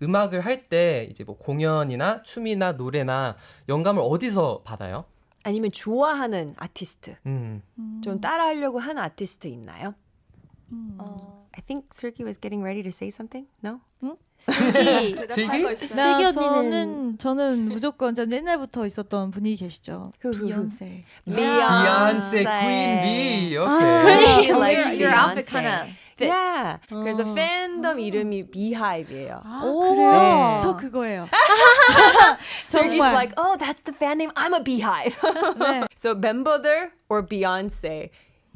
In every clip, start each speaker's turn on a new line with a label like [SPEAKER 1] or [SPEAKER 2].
[SPEAKER 1] 음악을 할 때 이제 뭐 공연이나 춤이나 노래나 영감을 어디서 받아요?
[SPEAKER 2] 아니면 좋아하는 아티스트,
[SPEAKER 1] 음.
[SPEAKER 2] 좀 따라하려고 하는 아티스트 있나요? I think Sergi was getting ready to say something. No?
[SPEAKER 3] 슬기.
[SPEAKER 1] 슬기?
[SPEAKER 3] 슬기 언니는 저는 무조건 전 옛날부터 있었던 분이 계시죠. 비욘세.
[SPEAKER 1] Beyonce, Queen Bee.
[SPEAKER 2] Really
[SPEAKER 1] Okay.
[SPEAKER 2] likes
[SPEAKER 4] Your outfit
[SPEAKER 2] Beyonce.
[SPEAKER 4] kind of fits.
[SPEAKER 2] Yeah. 그래서 팬덤 이름이 Beehive이에요.
[SPEAKER 3] 그래요?
[SPEAKER 2] 네.
[SPEAKER 3] 저 그거예요.
[SPEAKER 2] Sergi's
[SPEAKER 3] 정말.
[SPEAKER 2] like, oh, that's the fan name. I'm a Beehive.
[SPEAKER 3] 네.
[SPEAKER 2] So 멤버들 or Beyonce.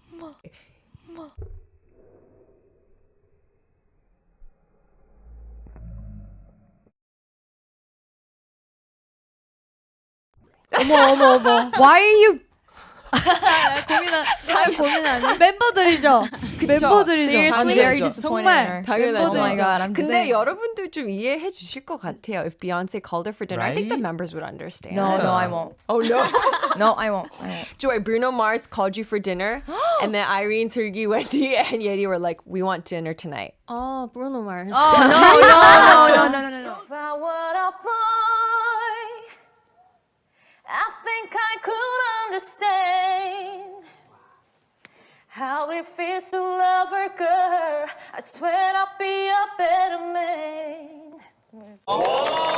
[SPEAKER 2] 어머. Why are you
[SPEAKER 3] 고민하네. 멤버들이죠. 멤버들이죠.
[SPEAKER 4] Seriously,
[SPEAKER 2] 당연하죠.
[SPEAKER 4] very disappointed.
[SPEAKER 3] 정말
[SPEAKER 4] in her.
[SPEAKER 2] 당연하죠.
[SPEAKER 4] Oh my god, I'm
[SPEAKER 2] 근데
[SPEAKER 4] dead.
[SPEAKER 2] 여러분들 좀 이해해 주실 것 같아요. If Beyonce called her for dinner, I think the
[SPEAKER 1] Right?
[SPEAKER 2] members would understand.
[SPEAKER 4] No, I won't.
[SPEAKER 2] Oh no.
[SPEAKER 4] No, I won't.
[SPEAKER 2] Joy, Bruno Mars called you for dinner, and then Irene, Sergi, Wendy, and Yeti were like, "We want dinner tonight."
[SPEAKER 4] Oh, Bruno Mars.
[SPEAKER 3] No.
[SPEAKER 5] I think I could understand how it feels to love her, girl. I swear I'll be a better man.